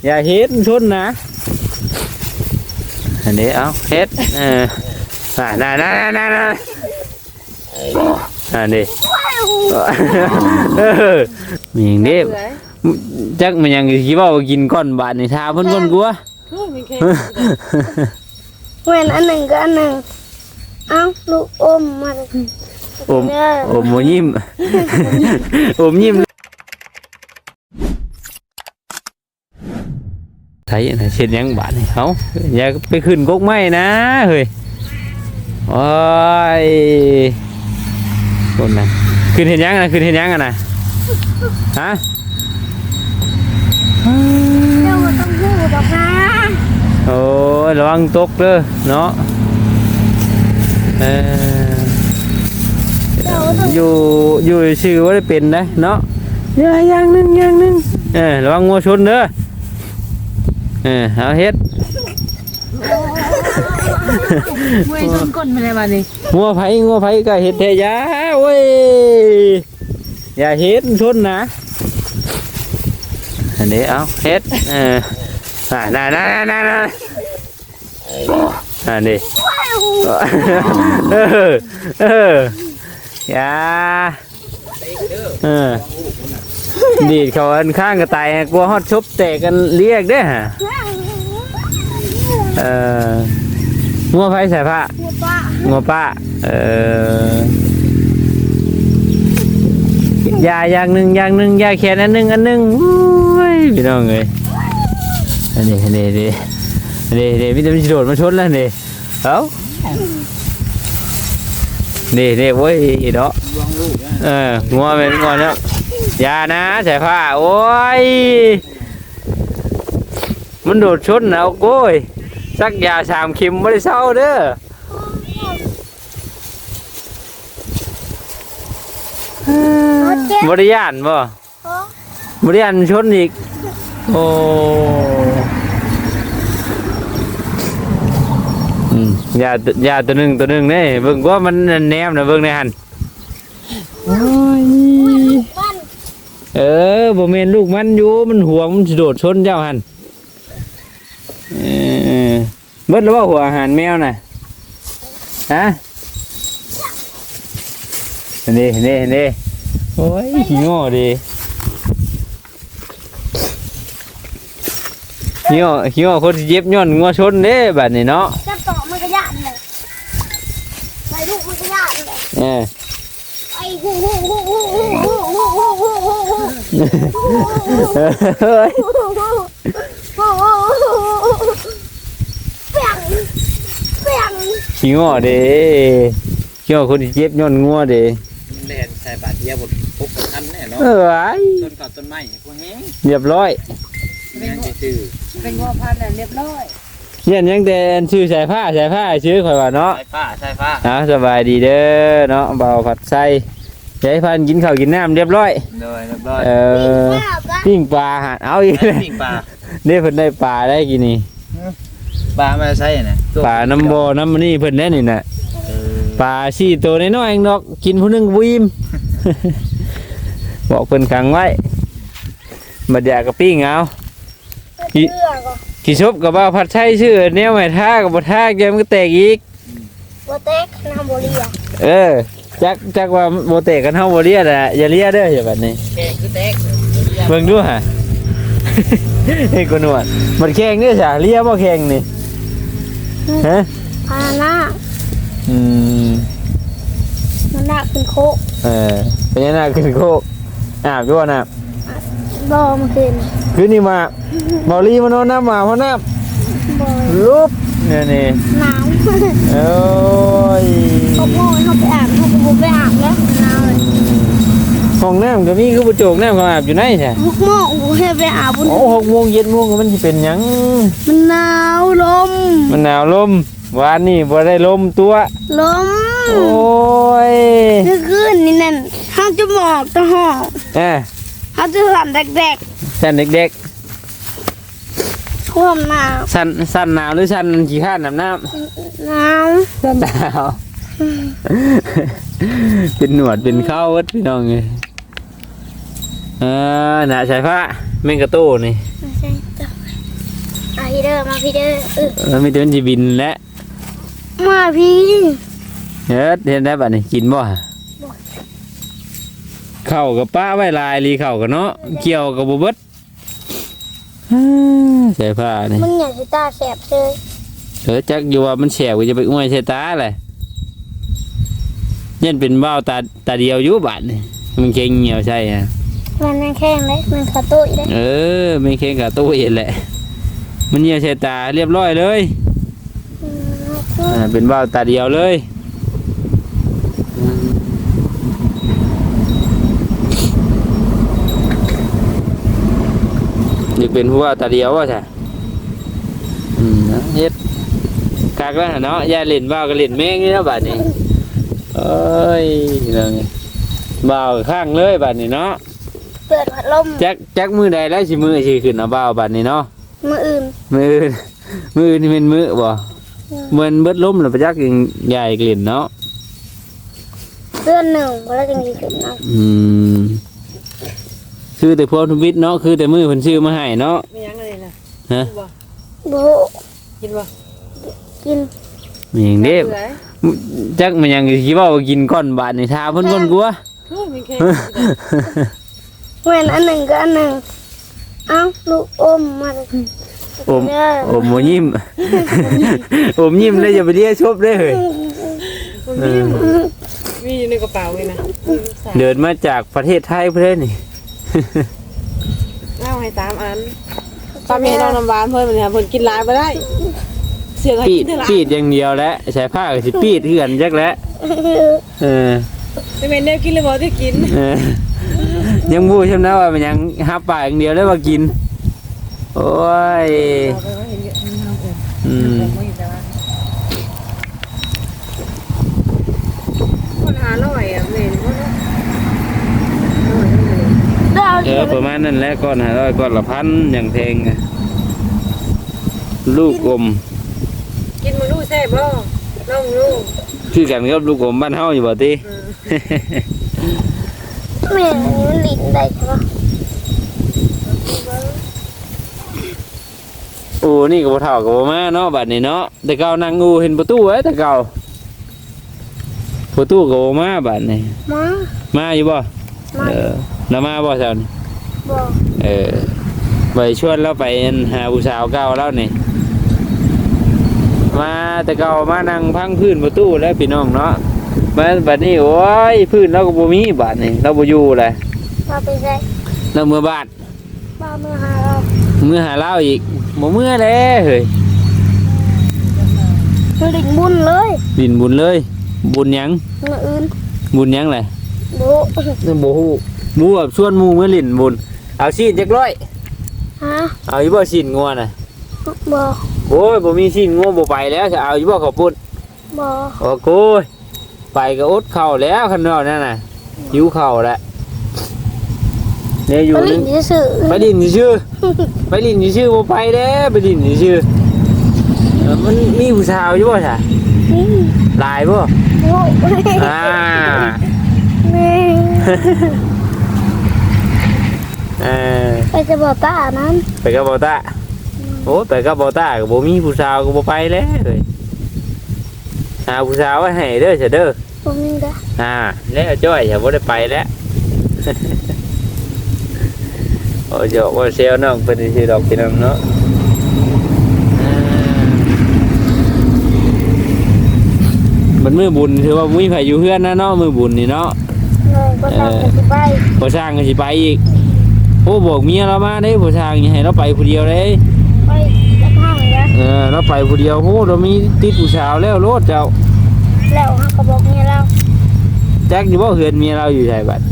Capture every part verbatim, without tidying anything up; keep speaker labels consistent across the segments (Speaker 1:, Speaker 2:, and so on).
Speaker 1: อย่าเฮ็ดชนนะอันนี้เอาเฮ็ดเออน่าน่าน่าน่าน่าอันนี้เออมีอย่างนี้จักมันยังคิดว่ากินก้อนบาทในทาเพิ่นก้นกัว
Speaker 2: เว้นอันหนึ่งก็อันหนึ่งเอ้าลูกอมมา
Speaker 1: อมอมโมยิ้มอมยิ้มไทยไทยเช็ดยังบาทนี่เขาอย่าไปขึ้นกกไม้นะเฮ้ยโอ้ยคนนั้นขึ้นเห็นยังนะขึ้นเห็นยังกันนะฮะ
Speaker 2: เจ้าต้องพูดดอกนะ
Speaker 1: โอ้ยระวังตกเด้อเนาะเอออยู่อยู่ชื่อว่าได้เป็นได้เนาะอย่างนึงอย่างนึงเออระวังงัวชนเด้อเออเอาเฮ็ด
Speaker 3: มวยชนก้นมาเลยวันนี้
Speaker 1: งัวไผ่งัวไผ่ก็เฮ็ดเทยาโอ้ยอย่าเฮ็ดชนนะอันนี้เอาเฮ็ดเออน่าน่าน่าน่าน่าอันนี้เออเอออย่าเออดีดเขาอันข้างกระต่ายกลัวฮอดชุบแตกกันเรียกเด้อฮะเอองัวไผ่ใส่ผ้างัวป้าเออยาอย่างหนึ่งอย่างหนึ่งยาแขนอันหนึ่งอันหนึ่งโอ้ยพี่น้องเลยอันนี้อันนี้ดีดีดีพี่จะมีโดดมาชนแล้วนี่เอ้านี่นี่โว้ยเนาะเอองัวเป็นงัวเนาะยานะใส่ผ้าโอ้ยมันโดดชนนะโอ้ยสักยาสามเข็มไม่ได้เศร้าเด้อบริยานบ่บริยานชนอีกโอ้ยายาตัวหนึ่งตัวหนึ่งนี่เบิ่งว่ามันแนมนะเบิ่งในหันเออบ่แม่นลูกมันอยู่มันห่วงมันโดดชนเจ้าหันเออเบิดแล้วว่าหัวอาหารแมวน่ะฮะนี่นี่นี่โอ้ยขี้งอดีขี้งอขี้งอคนเจ็บย้อนงัวชนเด้บัดนี้เนาะ
Speaker 2: จะต่อมันก็ยากเลยใส่ลูกมันก็ยากเลย
Speaker 1: เออ
Speaker 2: ไอ้ฮู้ฮู้ฮู้ฮู้ฮู้ฮู้ฮู้ฮู้ฮู้ฮู้
Speaker 1: เฮ้ย
Speaker 2: เปียงเปียง
Speaker 1: ขี้งอเด้ขี้งอคนเจ็บย้อนงัวเด้
Speaker 4: เล่นใส่บาดเจ็บหมดปุ๊บทันแน่เนาะ
Speaker 1: เออไอ้
Speaker 4: ต้นกับต้นไม้พวกนี้
Speaker 1: เรียบร้อย
Speaker 4: ยังชื่อ
Speaker 3: เป็นงัวพันธุ์เรียบร้อย
Speaker 1: เนี่ยยังแต่ชื่อสายผ้าสายผ้าชื่อข่อยว่าเนาะ
Speaker 4: สายฟ้าสายฟ้า
Speaker 1: อ่าสบายดีเด้อเนาะเบาผัดไส้ยายพันกินข้าวกินน้ำเรียบร้อย
Speaker 4: โดยเรียบร้อย
Speaker 1: เออปิ้งปลาหาเอาอีกเลย
Speaker 4: ปิ้งปลา
Speaker 1: เนี่ยเพิ่นได้ปลาได้กินนี่
Speaker 4: ปลามาใส่น่ะ
Speaker 1: ปลาน้ำบ่อน้ำนี่เพิ่นได้นี่น่ะปลาสี่ตัวน้อยๆเองดอกกินผู้นึงบ่อิ่มบอกเพิ่นขังไว้บัดอยากก็ปิ้งเอากี่ชบกับว่าผัดไส้ชื่อแนวใหม่ท่ากับบ่ท่าแกมันก็แตกอีก
Speaker 2: บ่แตกน้ำบ่เลีย
Speaker 1: เออจักจักว่าบ่แตกกันเฮาบ่เลียน่ะอย่าเลียเด้ออย่าบัดนี้
Speaker 4: แข็งคือแตก
Speaker 1: เบิ่งดูฮะเฮ้ยกนวดมันแข็งเด้อจ้ะเลียบ่แข็งนี่ฮะ
Speaker 2: พาหน้า
Speaker 1: อืม
Speaker 2: มันน่าขึ้นโคก
Speaker 1: เออเป็นยังไงขึ้นโคกอาบอยู่น่ะ
Speaker 2: บ่มาคืน
Speaker 1: คืนนี้มาบ่ลีมานอนน้ำมาเพราะน้ำ
Speaker 2: บ่
Speaker 1: ลุบเนี่ยนี่
Speaker 2: หนาว
Speaker 1: โอ้ย
Speaker 2: เขาโง่เขาไปอาบเขาไปบุกไปอาบแล้วหนาวเลย
Speaker 1: ห้องน้ำก็มีคือประโจกน้ำเขาอาบอยู่ไหนใช่
Speaker 2: หกโมงกูให้ไปอาบ
Speaker 1: โอ้หกโมงเย็นโมงมันจะเป็นยัง
Speaker 2: มันหนาวลม
Speaker 1: มันหนาวลมวานนี่บ่ได้ลมตัว
Speaker 2: ลม
Speaker 1: โอ้ย
Speaker 2: เมื่อคืนนี่นั่นเขาจะหมอกตะหอก
Speaker 1: เออ
Speaker 2: เขาจะสั่นเด็ก
Speaker 1: ๆสั่นเด็ก
Speaker 2: ๆท่วมหนาว
Speaker 1: สั่นสั่นหนาวหรือสั่นขี้ข้านน้ำน้
Speaker 2: ำหนาว
Speaker 1: สั่นหนาวเป็นหนวดเป็นเข้าวัดพี่น้องเลยเออหนาใส่ผ้าแมงกะโต้นี่
Speaker 2: อาพี่เด้อมาพี่เด้อเออ
Speaker 1: เออมีแต่มันสิบินแหละ
Speaker 2: มาพี่
Speaker 1: เฮ็ดเฮ็ดได้บัดนี้กินบ่เข้ากับป้าไว้ลายลีเข้ากับเนาะเกี่ยวกับบ่เบิดฮ่าใส่ผ้านี่
Speaker 2: มึงอย่าสิตาแสบเลย
Speaker 1: เออจักอยู่ว่ามันแฉกว่าจะไปอ้วยใส่ตาแหละยันเป็นเบ้าตาตาเดียวอยู่บาดนี่มันเก่งเหี่ยวใช่ฮะ
Speaker 2: มันไม่แข็งเลยมันขาตุ้ยเลย
Speaker 1: เออไม่เก่งกับตู้เอ็นแหละมันเหี่ยวใส่ตาเรียบร้อยเลย
Speaker 2: อืม
Speaker 1: อ่าเป็นเบ้าตาเดียวเลยอยากเป็นผู้ว่าตาเดียวว่าใช่อืมนะเฮ็ดกากแล้วเนาะอย่าเล่นเบ้าก็เล่นแม่งนี่เนาะบาดนี้เอ้ยเรื่องนี้เบ้าข้างเลยบาดนี้เนาะ
Speaker 2: เปิดพัดลม
Speaker 1: จักจักมือใดแล้วสิมือสิขึ้นเอาเบ้าบาดนี้เนาะ
Speaker 2: มืออื่น
Speaker 1: มืออื่นมืออื่นนี่เป็นมือบ่เหมือนเบิดล้มแล้วไปจักยังใหญ่กลิ่นเนาะ
Speaker 2: เดือนหนึ่งแล้วจึงดีขึ้นนะ
Speaker 1: อืมคือแต่พวกทุบิตเนาะคือแต่มือเพิ่นซื้อมาให้เนาะ
Speaker 3: มียังอะไรล่ะ
Speaker 1: ฮะ
Speaker 2: โบ
Speaker 3: กินบ่
Speaker 2: กิน
Speaker 1: มีหยังเด้จักมันยังสิเว้าว่ากินก้อนบาดนี่ทาเพิ่นก้อนกลัว
Speaker 3: มีแค่
Speaker 2: เว้นอันหนึ่งก็อันหนึ่งเอ้าลูกอมมาเลย
Speaker 1: อม
Speaker 2: เด้อ
Speaker 1: อมบ่ยิ้ม อมยิ้มเลยอย่าไปเรียกชบเด้อเฮ้ยเออ
Speaker 3: มีอยู่ในกระเป๋าเลยนะ
Speaker 1: เดินมาจากประเทศไทยเพิ่นนี่
Speaker 3: เล่าให้ตามอันตามเมน้องน้ำหวานเพิ่นมันเนี่ยเพิ่นกินหลายบ่ได้เสียให้
Speaker 1: ปี
Speaker 3: กิ
Speaker 1: ด
Speaker 3: นเท่าไหร่
Speaker 1: ปีดอย่างเดียวแหละใช้ผ้าก็สิปีดเฮือนจักแหล้วเออ
Speaker 3: จะเป็นแนวกินเลยบ่ที่กิน
Speaker 1: เออยังบูใช่ไหมว่ามันยังหับปากอย่างเดียวแล้วว่ากิน โอ้ยอืม
Speaker 3: คนหาร้อยอ่ะแม่นบ่เนาะ
Speaker 2: เด้อ
Speaker 1: เออประมาณนั้นแหละก้อนหาร้อยก้อนละพันอย่างแพงอะลูกอม
Speaker 3: กินมื้อรู้แซ่บบ่ลองดู
Speaker 1: คือกันกับลูกอมบ้านเฮาอยู่บ่ติ
Speaker 2: แม่นี่มันลิ้นได้ใช่ปะ
Speaker 1: โอ้นี่ก็บ่เท่ากับบ่มาเนาะบัดนี้เนาะแต่เก่านั่งอูเห็นประตูไว้แต่เก่าประตูก็บ่มาบัดนี้
Speaker 2: มา
Speaker 1: มาอยู่บ่
Speaker 2: มา
Speaker 1: เออแล้วมาบ่เช้านี่
Speaker 2: บอก
Speaker 1: เออไปชวนเราไปหาผู้สาวเก่าแล้วนี่มาแต่เก่ามานั่งพังพื้นประตูแล้วพี่น้องเนาะมาบัดนี้โอ้ยพื้นเราก็บ่มีบัดนี้เราบ่อยู่เลย
Speaker 2: มาไปใส่
Speaker 1: เราเมื่อบ้าน
Speaker 2: มาเมื่อหาเรา
Speaker 1: เมื่อหาเราอีกบ่เมื่อแล้วเฮ้ย
Speaker 2: คือลิ้นบุญเลย
Speaker 1: บินบุญเลย บุญหยัง
Speaker 2: มืออื่น
Speaker 1: บุญหยังแหละ
Speaker 2: โบ
Speaker 1: บ่ฮู้หมู่แบบชวนหมู่มื้อลิ้นบุญเอาซีนจักร้อย
Speaker 2: ฮะ
Speaker 1: เอาอยู่บ่ซีนงัวน่ะ
Speaker 2: บอก
Speaker 1: โอ้ยบ่มีซีนงัวบ่ไปแล้วจะเอาอยู่บ่ข้าวปุ้น
Speaker 2: บอก
Speaker 1: โอ้โหไปก็อดข้าวแล้วคันนอกนั่นน่ะหิวข้าวแล้วเนี่ยอยู่
Speaker 2: ไป
Speaker 1: นึ
Speaker 2: ลิ้
Speaker 1: ง
Speaker 2: นซื่อ
Speaker 1: ไปดินชื่อไปดินชื่อบ่ไปเด้ไปดินชื่อเออมันมีผู้สาวอยู่บ่ซะ
Speaker 2: นี่
Speaker 1: หลายบ่
Speaker 2: โบ
Speaker 1: อ่า
Speaker 2: นี่
Speaker 1: เออ
Speaker 2: ไปจะบอกตานั้น
Speaker 1: ไปกับบ่ตาโอ้ไปกับบ่ตาก็บ่มีผู้สาวก็บ่ไปแล้วเอ้ยหาผู้สาวไว้ให้เด้อซะเด้อ
Speaker 2: ผมนี่ได้
Speaker 1: อ่าแล้วจ้อยอย่าบ่ได้ไปแล้ว โอ้ยเดี๋ยวว่าเซลน้องเป็นสิดอกพี่น้องเนาะอ่ามันมือบุญถือว่ามีไผอยู่เฮือนนะเนาะมือบุญนี่เนาะ
Speaker 2: เลยก็ต้องไปไป
Speaker 1: บ่สร้างก็สิไปอีกโอ้บอกเมียเรามาเด้บ่สร้างอย่าให้เราไปผู้เดียวเด้
Speaker 2: ไปจะพังแล้ว
Speaker 1: เออเราไปผู้เดียวโหเรามีติดผู้สาวแล้วโลดเจ้า
Speaker 2: แล้วเขาก็บอกเมียเรา
Speaker 1: แจ็คอยู่บ่เฮือนเมียเราอยู่ไสบัด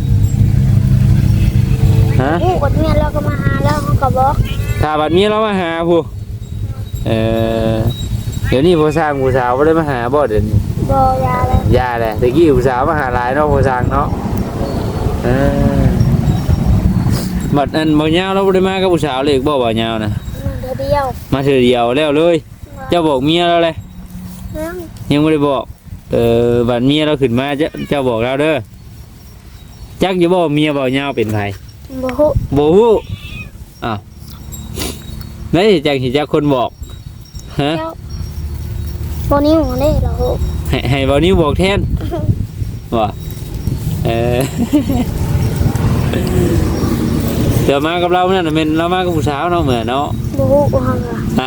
Speaker 1: ฮะ
Speaker 2: ผู้กดเมียเราก็มาหาแล้วเขาก็บอก
Speaker 1: ถ้าบัดเมียเรามาหาผู้เออเดี๋ยวนี้ผู้สร้างผู้สาวบ่ได้มาหาบ่เดี๋ยวนี้
Speaker 2: บอกยาเลย
Speaker 1: ยาแหละตะกี้ผู้สาวมาหาหลายเนาะผู้สร้างเนาะเออบัดอันบ่ยาวเราบ่ได้มากับผู้สาวเลยบ่บ่ยาวนะ
Speaker 2: เดี๋ยวเดียว
Speaker 1: มาเทื่อเดียวแล้วเลยเจ้าบอกเมียเราเลย
Speaker 2: นั่ง
Speaker 1: ยังไม่ได้บอกเออบัดเมียเราขึ้นมาเจ้าเจ้าบอกเราเด้อจักอย่าบอกเมียบ่ยาวเป็นไผ
Speaker 2: บอก
Speaker 1: บ่ฮู้อ้าวแล้วสิจังสิจักคนบอกฮะ
Speaker 2: บนิ้วนี่เหรอ
Speaker 1: ให้ให้บ่นิ้วบอกแทนว่าเออเดี๋ยวมากับเราเนี่ยน่ะแม่นเรามากับผู้สาวเนาะเหมือนเนาะ
Speaker 2: บูฮูกูฮังอ่ะ
Speaker 1: อ่ะ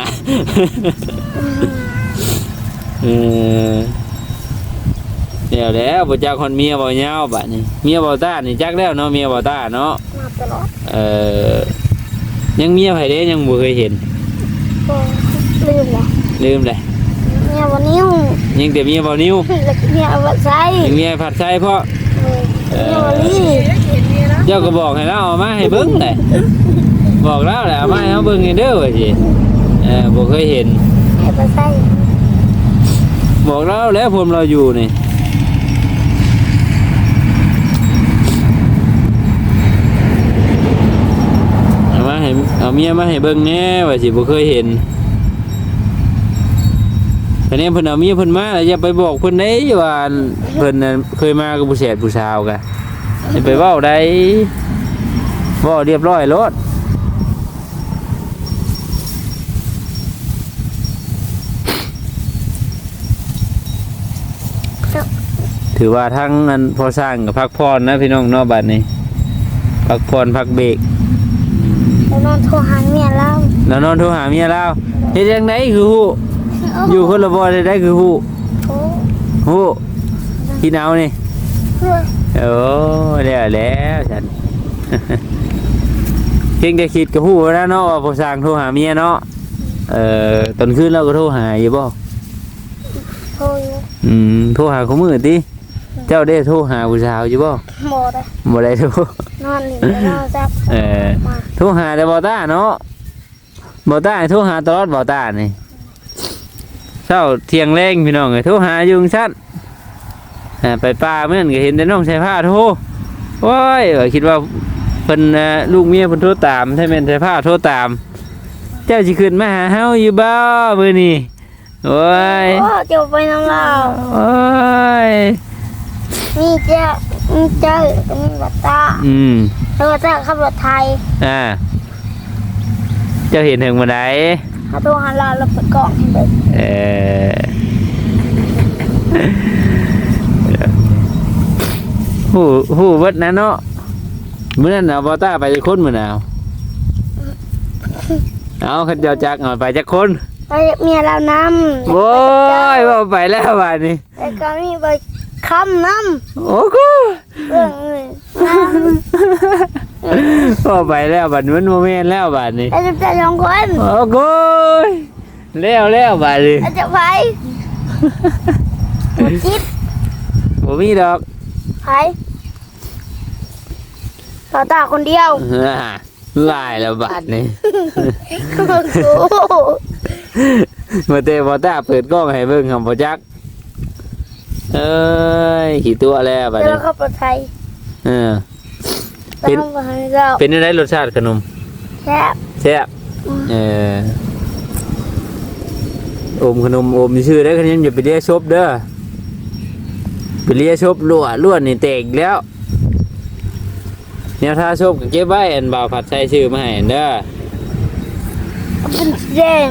Speaker 1: เออเดี๋ยวแล้วบ่จักคนเมียบ่ยาวบัดนี้เมียบ่ต้านี่จักแล้วเนาะเมียบ่ต้าเนาะ
Speaker 2: มาตลอด
Speaker 1: เออยังเมียไผเด้ยังบ่เคยเห็น
Speaker 2: ก็ลืมละ
Speaker 1: ลืมเลย
Speaker 2: เมียวันนิ้ว
Speaker 1: ยังแต่เมียบ่นิ้ว
Speaker 2: แล้วเมียวันใส่
Speaker 1: ยังเมียผัดไส้เพราะ
Speaker 2: เมียวันนี้
Speaker 1: เจ้าก็บอกให้เราเอามาให้เบิ่งเลยบอกแล้วแหละเอามาให้เฮาเบิ่งให้เด้อว่าสิเออบ่เคยเห็น
Speaker 2: ให้วันใส่
Speaker 1: บอกแล้วแล้วผมเราอยู่นี่เอามาให้เอาเมียมาให้เบิ่งแหน่ว่าสิบ่เคยเห็นแต่เนี่ยเพิ่นเอาเมียเพิ่นมาแล้วอย่าไปบอกเพิ่นได้ว่าเพิ่นน่ะเคยมากับผู้แสดผู้สาวกะอย่าไปเว้าได้เว้าเรียบร้อยโลดถือว่าทั้งนั้นพอสร้างกับพักพรนะพี่น้องเนอกบัดนี้พักพรพักเบรก
Speaker 2: แล้วนอนโทรหาเมียแล้ว
Speaker 1: แล้วนอนโทรหาเมียแล้วเฮ็ดจังไดคือฮู้อยู่คนละบ่ได้ได้คือฮู้
Speaker 2: โอ้
Speaker 1: ฮู้พี่หนาวนี่
Speaker 2: เพื่อ
Speaker 1: โอ้แล้วแล้วฉัน เพียงแต่คิดก็ฮู้แล้วเนาะว่าพอสร้างโทรหาเมียเนาะเอ่อตอนคืนเราก็โทรหาอยู่บ่
Speaker 2: โทรอยู่
Speaker 1: อืมโทรหาเขามื้อติเจ้าได้โทรหาผู้สาวอยู่บ่
Speaker 2: หมดเลย
Speaker 1: บ่ได้โทร
Speaker 2: นอนหลินนอนจับ
Speaker 1: เออ
Speaker 2: มา
Speaker 1: โทรหาแต่บอต้าเนาะบอต้าโทรหาตลอดบอต้านี่เช้าเที่ยงแรงพี่น้องเลยโทรหาอยู่ชั้นอ่าไปป่าเมื่อนั้นก็เห็นแต่น้องใส่ผ้าโทรโอ้ยว่าคิดว่าเพิ่นอ่าลูกเมียเพิ่นโทรตามใช่แม่นใส่ผ้าโทรตาม เจ้าสิขึ้นมาหาเฮาอยู่บ่มื้อนี้โอ้ย
Speaker 2: โอ้เจ้าไปน้ำเรา
Speaker 1: โอ้ย
Speaker 2: นี่เจ้านี่เจ้าก็มีบัตตา
Speaker 1: อืม
Speaker 2: แล้วก็เจ้าขับรถไทย
Speaker 1: อ่าเจ้าเห็นถึงบ่ได้
Speaker 2: เขาโทรหาเราเราเปิดกล่องให้เบิก
Speaker 1: เออหูหูเบิดนะเนาะมื้อนั้นเอาบอต้าไปจักคนมื้อน่ะเอาเอาคันเจ้าจักเอาไปจักคน
Speaker 2: ไปเมียเรานำ
Speaker 1: โอ้ยว่าไปแล้วบาดนี้
Speaker 2: แล้วก็มีไปคำน
Speaker 1: โอ้กู
Speaker 2: ำเรื่องอื่นน
Speaker 1: ว่าไปแล้วบาดนี้มันบ่แม่นแล้วบาดนี้
Speaker 2: ำแล้วจะจะสองคน
Speaker 1: โอ้กูแล้วแล้วบาดนี้
Speaker 2: แล้วจะไปหมดจิต
Speaker 1: บ่มีดอก
Speaker 2: ไปต่อตาคนเดียว
Speaker 1: อ่าลายแล้วบาดนี้
Speaker 2: โอ้โห
Speaker 1: มาเตะบอต้าเปิดกล้องให้เบิ่งคำพอจักเอ้ยขี่ตัวแล้วบัด
Speaker 2: เดี๋ยว
Speaker 1: นี้
Speaker 2: เราเข้าปลอดภัย
Speaker 1: เออ
Speaker 2: ไปห้องปลอดภัยเรา
Speaker 1: เป็นอะไรรสชาติขนม
Speaker 2: แซ่บ
Speaker 1: แซ่บเอออมขนมอมชื่อได้คะแนนอย่าไปเรียกชบเด้อไปเรียกชบรั่วรั่วนี่แตกอีกแล้วเนี่ยถ้าชบก็เก็บไว้อันบ่าวผัดใส่ชื่อมาให้อันเด้อ
Speaker 2: เป็นสีแดง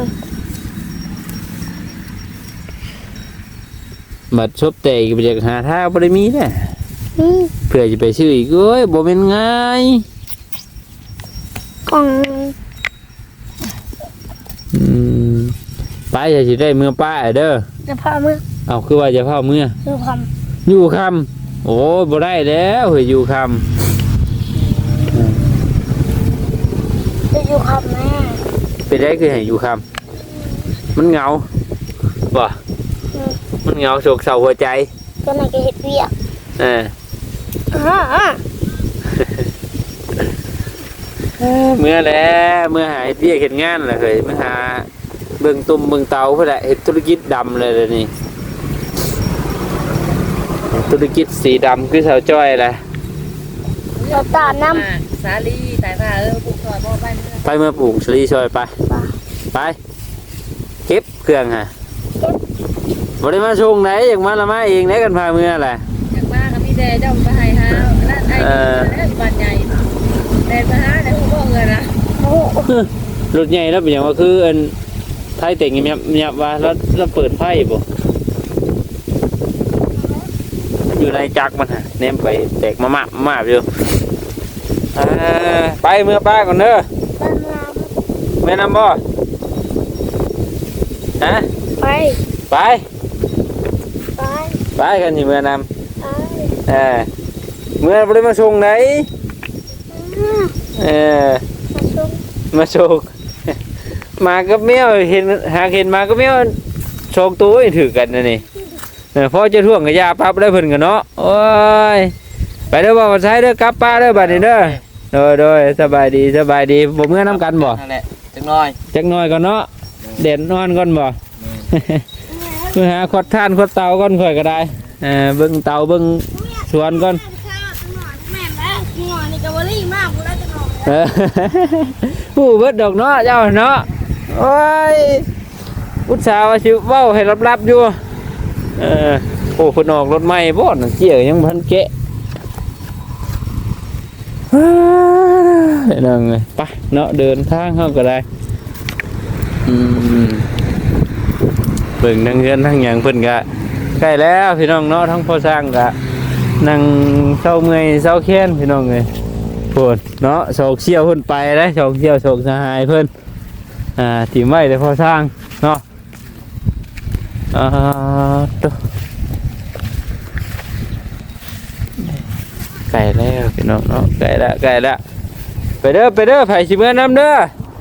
Speaker 1: บัดชบแตกไปจากหาท่าบ่ได้มีเด้อ
Speaker 2: นี่
Speaker 1: เพื่อจะไปชื่ออีกเอ้ยบ่เป็นง่าย
Speaker 2: กล่อง
Speaker 1: อืมป้าจะสิได้เมื่อป้าเด้อ
Speaker 2: จะพามือ
Speaker 1: เอาคือว่าจะเผาเมื่อ
Speaker 2: คือความ
Speaker 1: อยู่คำโอ้ยบ่ได้แล้วเฮ้ยอยู่ค
Speaker 2: จะอยู่ความแม่
Speaker 1: ำเป็นได้คือให้อยู่คำมันเหงาบ่มันเหงาโศกเศร้าหัวใจ
Speaker 2: ตัวไหนก็เห็ดเวียก
Speaker 1: เออ
Speaker 2: อ่าอ่า
Speaker 1: เมื่อแล้วเมื่อหาเฮ็ดเวียกเฮ็ดงานแหละเฮ้ยเมื่อหาเบิ่งตุ่มเบิ่งเตาเพื่อแหละเฮ็ดธุรกิจดำเลยเดี๋ยวนี้ธุรกิจสีดำคือสาวจ้อยแหละ
Speaker 2: เราตาน้
Speaker 3: สาลีสายผ้าเออปลูกซอยบ่บ้านเมือง
Speaker 1: ไปเมื่อปลูกชลีช่วยไปไปเก็บเครื่องฮะบ่ได้มาชงไหนอยากมาละมาเองไหนกันพาเมื่อแหละ
Speaker 3: อยากมาก็มีแต่เจ้าไปให้หานั่นไอ้นี่แล้วบ้านใหญ่แต่ไปหาแต่ผู้บ่เงินนะ
Speaker 2: ำโอ้
Speaker 1: เรถใหญ่แล้วเป็นหยังว่าคืออันไทยเต็งยับยับว่าแล้วแล้วเปิดไฟบ่อยู่ในจักรมันฮะเนมไปแตกมามามาอยู่อ่าไปเมื่อป้าก่อนเด้อ
Speaker 2: บ้านเรา
Speaker 1: แม่นำบ่ฮะ
Speaker 2: ไป
Speaker 1: ไป
Speaker 2: ไป
Speaker 1: ไปกันสิเมื่อนำ
Speaker 2: ไป
Speaker 1: เออเมื่อบ่ได้มาส่งไหน
Speaker 2: อ่า
Speaker 1: เออ
Speaker 2: มาส่ง
Speaker 1: มาส่ง มากับแมวเห็นหากเห็นมากับแมวโชคตัวให้ถือกันนะนี่เออพอจะท่วงกับยาปั๊บได้เพิ่นกันเนาะโอ้ยไปเด้อบ่มาใช้เด้อกลับป้าเด้อบัดนี้เด้อโดยโดยสบายดีสบายดีบ่เมื่อน้ำกันบ่
Speaker 4: นั่นแหละจังน้อย
Speaker 1: จักหน่อยก่อนเนาะเด่นนอนก่อนบ่ เพื่อหาขวดท่านขวดเตาก่อนค่อยก็ได้เออเบิ่งเตาเบิ่งสวนก่อน
Speaker 2: แม่แล้วหัวนี่ก็บ่รีมากบ่ได้จังหน่อย
Speaker 1: เออ ผู้เบิดดอกเนาะเจ้าเนาะโอ้ยอุตส่าห์ว่าสิเว้าให้ลับๆอยู่เออโอ้เพิ่นออกรถใหม่บ่น่ะเจี๋ยยังบ่ทันแกะเดี๋ยวนั่งเลยไปเนาะเดินทางเฮาก็ได้อืมเบิ่งทั้งเฮือนทั้งหยังเพิ่นก็ใกล้แล้วพี่น้องเนาะทั้งพ่อสร้างก็นั่งเศร้าเมื่อยเศร้าแค้นพี่น้องเอ้ย เพิ่นเนาะโศกเชี่ยวเพิ่นไปแล้วโศกเชี่ยวโศกสหายเพิ่นอ่าทีมไว้แต่พอสร้างเนาะอ่าตัวไก่แล้วพี่น้องเนาะไก่ละไก่ละไปเด้อไปเด้อไผสิเมื่อน้ำเด้อ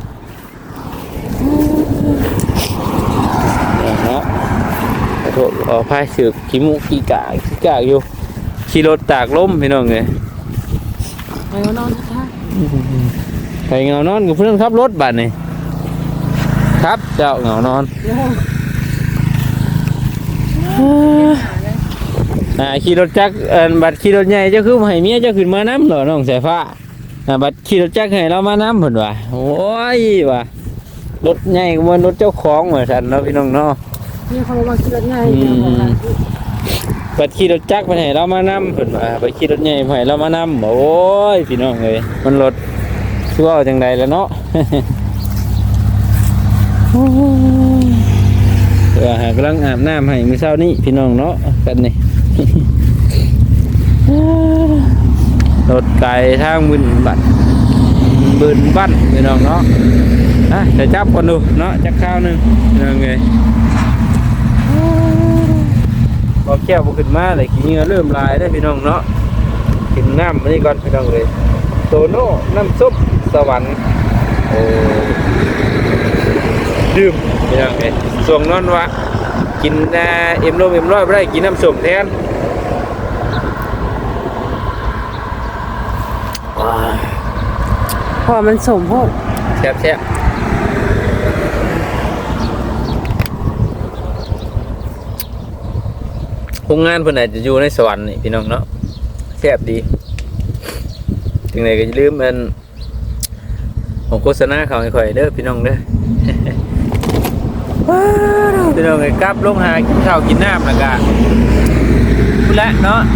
Speaker 1: เนาะขอโทษขออภัยสืบขี้มุกขี้กากขี้กากอยู่ขี่รถตากลมพี่น้องเอ้ย
Speaker 3: ไปนอนท่า
Speaker 1: ใครเงานอนกับเพื่อนขับรถบัดนี่ครับเจ้าเงานอนอ่าขี่รถจักรเอ่อบัดขี่รถใหญ่เจ้าคือให้เมียเจ้าขึ้นมาน้ำเหรอน้องสายฟ้าอ่าบัดขี่รถจักรให้เรามาน้ำเพิ่นว่าโอ้ยว่ารถใหญ่กว่ารถเจ้าของเหมือนกันเนาะพี่น้องเนาะ
Speaker 3: มีคนมาขี่รถใหญ่
Speaker 1: บัดขี่รถจักรไปให้เรามาน้ำเพิ่นว่าบัดขี่รถใหญ่ไปให้เรามาน้ำโอ้ยพี่น้องเอ้ยมันรถชั่วจังใดแล้วเนาะ เออหากำลังอาบน้ำให้มื้อเช้านี้พี่น้องเนาะกันนี่ รถไกลทางบึนบัดบึนบั้นพี่น้องเนาะอ่ะเดี๋ยวจับก่อนดูเนาะจักข้าวหนึงพี่น้องเอ้ยพอแก้วบ่ขึ้นมาเลยขี้เหงื่อเริ่มลายได้อพี่น้องเนาะกินน้ำมานี่ก่อนพี่น้องเลยโตโน่น้ำซุปสวรรค์โอ้ดื่มพี่น้องเลยส่วงนอนวะกินอ่าเอ็มโลเอ็มร้อยไม่ได้กินน้ำส้มแทนว้า
Speaker 3: พอมันสมพวก
Speaker 1: แซ่บแซ่บโรงงานเพิ่นอาจจะอยู่ในสวรรค์นี่พี่น้องเนาะแซ่บดีถึงไหนก็อย่าลืมมันของโฆษณาเขาให้ข่อยเด้อพี่น้องเด้อ ว้าวพี่น้องไอ้กลับลงหากินข้าวกินน้ำแล้วก็พูดแล้วเนาะ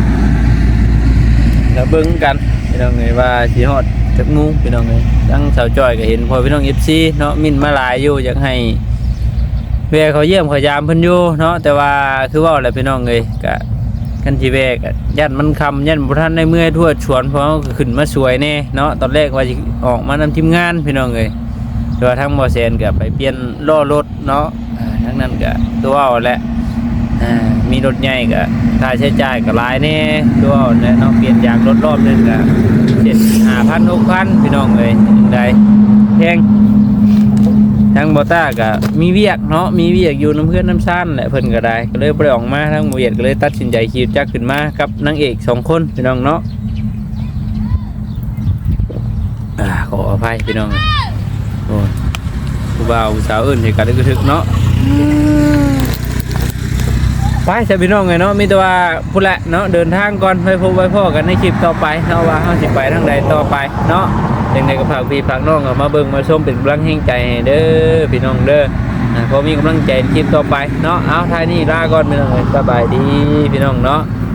Speaker 1: แล้วเบิ่งกันพี่น้องไงว่าสิฮอดจักงูพี่น้องไงทั้งสาวจ้อยก็เห็นพอพี่น้อง เอฟ ซี เนาะมินมาหลายอยู่อยากให้แวะเขาเยี่ยมเขายามเพิ่นอยู่เนาะแต่ว่าคือว่าอะไรพี่น้องเอ้ยก็กันสิแวะก็ยันมันคำยันบ่ทันได้เมื่อยทั่วชวนเพราะก็ขึ้นมาสวยแน่เนาะตอนแรกว่าสิออกมานำทีมงานพี่น้องเอ้ยแต่ว่าทั้งบ่แซนก็ไปเปลี่ยนล้อรถเนาะอ่าทั้งนั้นก็ตัวเอาแหละอ่ามีรถใหญ่ก็ค่าใช้จ่ายก็หลายแน่ตัวเอาแหละเนาะเปลี่ยนยางรถรอบนึงก็เจ็ด ห้าพัน หกพันพี่น้องเอ้ยจังได๋แพงทั้งบ่ต้าก็มีเวียกเนาะมีเวียกอยู่น้ำเพื่อนน้ำซ่านแหละเพิ่นก็ได้ก็เลยบ่ได้ออกมาทั้งบ่เวียกก็เลยตัดสินใจขี่จักรขึ้นมากับนางเอกสองคนพี่น้องเนาะอ่าขออภัยพี่น้องโอ้ยผู้บ่าวผู้สาวอื่นให้กันได้กระทึกเนาะไปจ้ะพี่น้องไงเนาะมีแต่ว่าพุ่นแหละเนาะเดินทางก่อนไปพบไว้พ่อกันในคลิปต่อไปเนาะว่าเฮาสิไปทางใดต่อไปเนาะจังได๋ก็ฝากพี่ฝากน้องเอามาเบิ่งมาชมเป็นกำลังแห่งใจให้เด้อพี่น้องเด้ออ่าพอมีกำลังใจในคลิปต่อไปเนาะเอาท้ายนี้ลาก่อนพี่น้องเอ้ยสบายดีพี่น้องเนาะ